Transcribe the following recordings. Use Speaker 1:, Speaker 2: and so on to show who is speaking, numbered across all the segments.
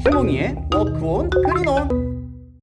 Speaker 1: 해몽이의 워크온 그린온.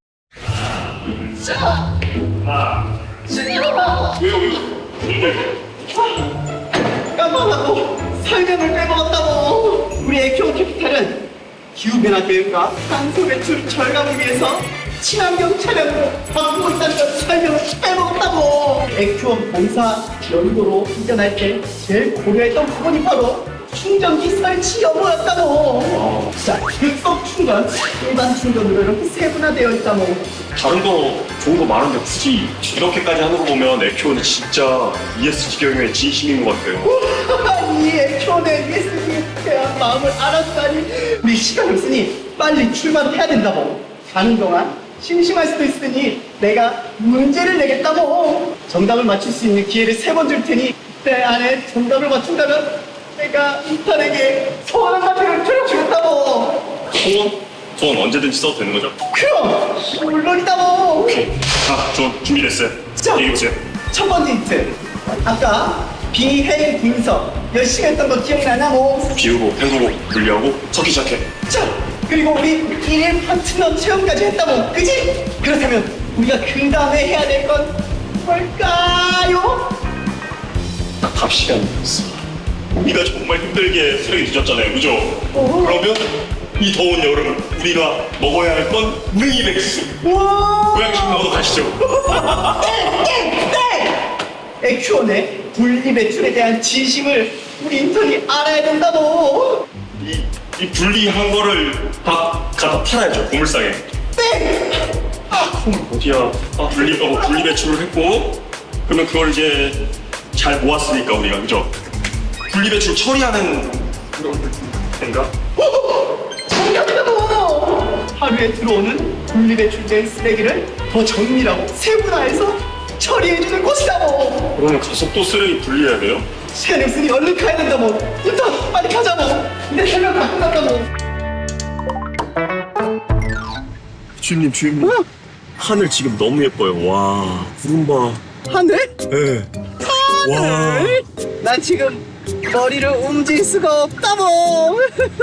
Speaker 2: 깜빡하고 설명을 빼먹었다고. 우리 에큐온 캐피탈은 기후변화 대응과 탄소 배출 절감을 위해서 친환경 차량으로 바꾸고 있다는 걸 설명을 빼먹었다고. 에큐온 본사 연구로 이전할 때 제일 고려했던 부분이 바로 충전기 설치 여부였다고. 자, 급속 충전, 일반 충전으로 이렇게 세분화되어 있다고.
Speaker 3: 다른 거 좋은 거 많은데 굳이 이렇게까지 하는 거 보면 에큐온은 진짜 ESG 경영에 진심인 것 같아요.
Speaker 2: 이 에큐온의 ESG에 대한 마음을 알았다니. 우리 시간 없으니 빨리 출발해야 된다고. 가는 동안 심심할 수도 있으니 내가 문제를 내겠다고. 정답을 맞출 수 있는 기회를 3번 줄 테니 그때 안에 정답을 맞춘다면 내가 인턴에게 소원 한마디를 들려주겠다고.
Speaker 3: 소원 언제든지 써도 되는 거죠?
Speaker 2: 그럼 물론이다고.
Speaker 3: 오케이. 자, 저 준비됐어요.
Speaker 2: 자.
Speaker 3: 얘기해보세요.
Speaker 2: 첫 번째 힌트. 아까 비해일 분석 열심히 했던 거 기억나나 뭐?
Speaker 3: 비우고, 헹구고, 분리하고, 섞기 시작해.
Speaker 2: 자, 그리고 우리 1일 파트너 체험까지 했다고, 그지? 그렇다면 우리가 그 다음에 해야 될 건 뭘까요?
Speaker 3: 답 시간이 됐어. 우리가 정말 힘들게 쓰레기 뒤졌잖아요, 그죠? 그러면 이 더운 여름 우리가 먹어야 할 건 우랭이 백수.
Speaker 2: 우와!
Speaker 3: 고양식 먹으러 가시죠.
Speaker 2: 에큐온의 분리배출에 대한 진심을 우리 인턴이 알아야 된다고.
Speaker 3: 이 분리한 거를 다 갖다 팔아야죠, 고물상에.
Speaker 2: 땡!
Speaker 3: 그럼 어디야? 분리 배출을 했고, 그러면 그걸 이제 잘 모았으니까 우리가, 그죠? 분리 배출 처리하는 그런 건가?
Speaker 2: 정답이다고! 하루에 들어오는 분리배출된 쓰레기를 더 정밀하고 세분화해서 처리해주는 곳이다고.
Speaker 3: 그러면 가서 또 쓰레기 분리해야 돼요?
Speaker 2: 시간이 없으니 얼른 가야 된다고. 인턴 빨리 가자고. 이제 설명 다 끝났다고.
Speaker 3: 주임님. 하늘 지금 너무 예뻐요. 와, 구름 봐.
Speaker 2: 하늘?
Speaker 3: 네.
Speaker 2: 하늘? 난 지금 머리를 움직일 수가 없다고.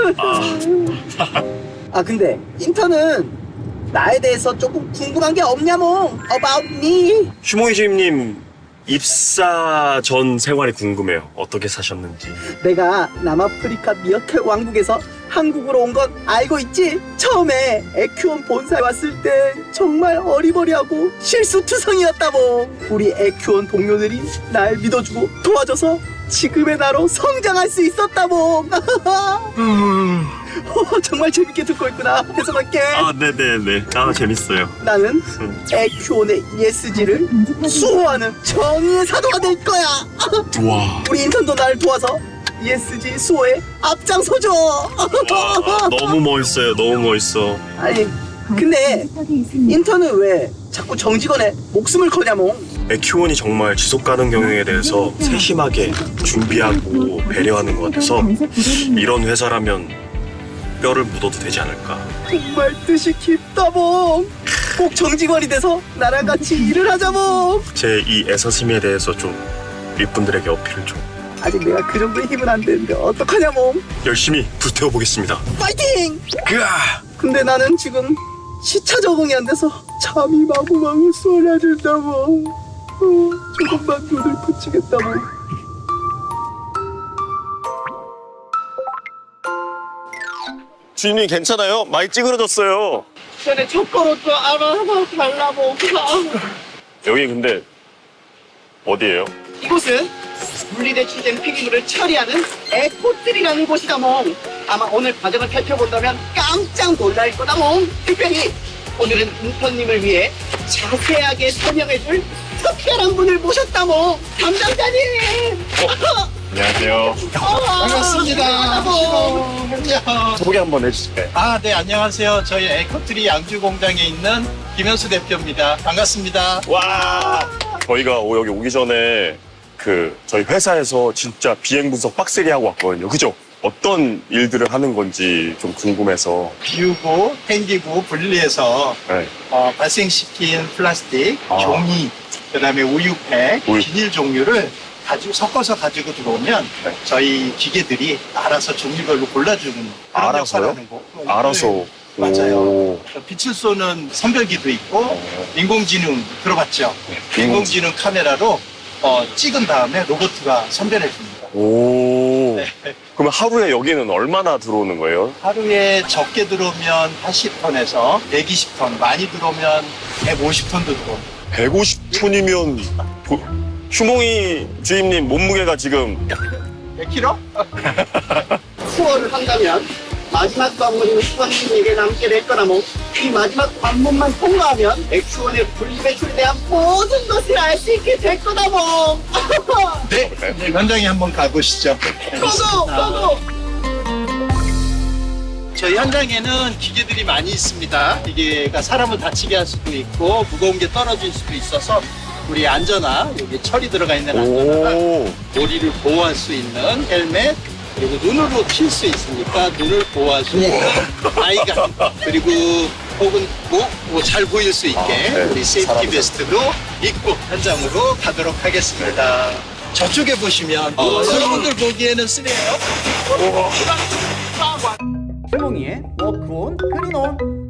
Speaker 2: 아 근데 인턴은 나에 대해서 조금 궁금한 게 없냐모. About me.
Speaker 3: 휴모이 주임님 입사 전 생활이 궁금해요. 어떻게 사셨는지.
Speaker 2: 내가 남아프리카 미어캣 왕국에서 한국으로 온 건 알고 있지? 처음에 에큐온 본사에 왔을 때 정말 어리버리하고 실수투성이었다고. 우리 에큐온 동료들이 날 믿어주고 도와줘서 지금의 나로 성장할 수 있었다고. 정말 재밌게 듣고 있구나. 해석할게.
Speaker 3: 네네네. 재밌어요.
Speaker 2: 나는 에큐온의 ESG를 수호하는 정의의 사도가 될 거야.
Speaker 3: 와.
Speaker 2: 우리 인턴도 날 도와서 ESG 수호에 앞장서줘.
Speaker 3: 너무 멋있어요. 너무 멋있어.
Speaker 2: 아니 근데 인턴은 왜 자꾸 정직원의 목숨을 거냐모.
Speaker 3: 에큐온이 정말 지속 가능 경영에 대해서 세심하게 준비하고 배려하는 것 같아서 이런 회사라면 뼈를 묻어도 되지 않을까.
Speaker 2: 정말 뜻이 깊다모. 꼭 정직원이 돼서 나랑 같이 일을 하자모.
Speaker 3: 제 이 애사심에 대해서 좀 윗분들에게 어필을 좀
Speaker 2: 아직 내가 그 정도의 힘은 안 되는데 어떡하냐모.
Speaker 3: 열심히 불태워 보겠습니다.
Speaker 2: 파이팅!
Speaker 3: 으아!
Speaker 2: 근데 나는 지금 시차 적응이 안 돼서 잠이 마구마구 쏟아진다고. 조금만 눈을 붙이겠다고.
Speaker 3: 주인님 괜찮아요? 많이 찌그러졌어요.
Speaker 2: 전에 젓가락도 알아달라고.
Speaker 3: 여기 근데 어디예요?
Speaker 2: 이곳은 분리배출된 폐기물을 처리하는 에코트리라는 곳이다 몽. 아마 오늘 과정을 살펴본다면 깜짝 놀랄 거다 몽. 특별히 오늘은 인턴님을 위해 자세하게 설명해줄 특별한 분을 모셨다 몽. 담당자님.
Speaker 3: 안녕하세요.
Speaker 4: 반갑습니다.
Speaker 3: 소개 한번 해주실까요?
Speaker 4: 네, 안녕하세요. 저희 에코트리 양주 공장에 있는 김현수 대표입니다. 반갑습니다.
Speaker 3: 와! 저희가 여기 오기 전에 저희 회사에서 진짜 비행 분석 빡세게 하고 왔거든요. 그죠? 어떤 일들을 하는 건지 좀 궁금해서.
Speaker 4: 비우고, 땡기고, 분리해서
Speaker 3: 네.
Speaker 4: 발생시킨 플라스틱, 종이, 그다음에 우유팩, 비닐 종류를 섞어서 가지고 들어오면 저희 기계들이 알아서 종류별로 골라주는 그런
Speaker 3: 알아서요?
Speaker 4: 역할을 하는 거.
Speaker 3: 알아서
Speaker 4: 맞아요. 빛을 쏘는 선별기도 있고 인공지능 들어봤죠? 인공지능 카메라로 찍은 다음에 로봇가 선별해 줍니다.
Speaker 5: 오.
Speaker 4: 네.
Speaker 5: 그러면 하루에 여기는 얼마나 들어오는 거예요?
Speaker 4: 하루에 적게 들어오면 80톤에서 120톤, 많이 들어오면 150톤도 들어옵니다.
Speaker 5: 150톤이면 휴몽이 주임님 몸무게가 지금
Speaker 4: 100kg?
Speaker 2: 수월을 한다면 마지막 관문은 수원님에게 남게 될 거나 이 마지막 관문만 통과하면 액수원의 분리배출에 대한 모든 것을 알 수 있게 될 거다
Speaker 4: 네, 현장에 한번 가보시죠.
Speaker 2: 고고!
Speaker 4: 저희 현장에는 기계들이 많이 있습니다. 기계가 사람을 다치게 할 수도 있고 무거운 게 떨어질 수도 있어서 우리 안전화, 여기 철이 들어가 있는 안전화가
Speaker 5: 오.
Speaker 4: 머리를 보호할 수 있는 헬멧, 그리고 눈으로 칠 수 있으니까 눈을 보호할 수 있는 아이가, 그리고 혹은 잘 보일 수 있게
Speaker 5: 네.
Speaker 4: 우리 세이프티 베스트로 입고 현장으로 가도록 하겠습니다. 저쪽에 보시면 여러분들 보기에는 쓰레요.
Speaker 1: 해몽이의 워크온, 클린온.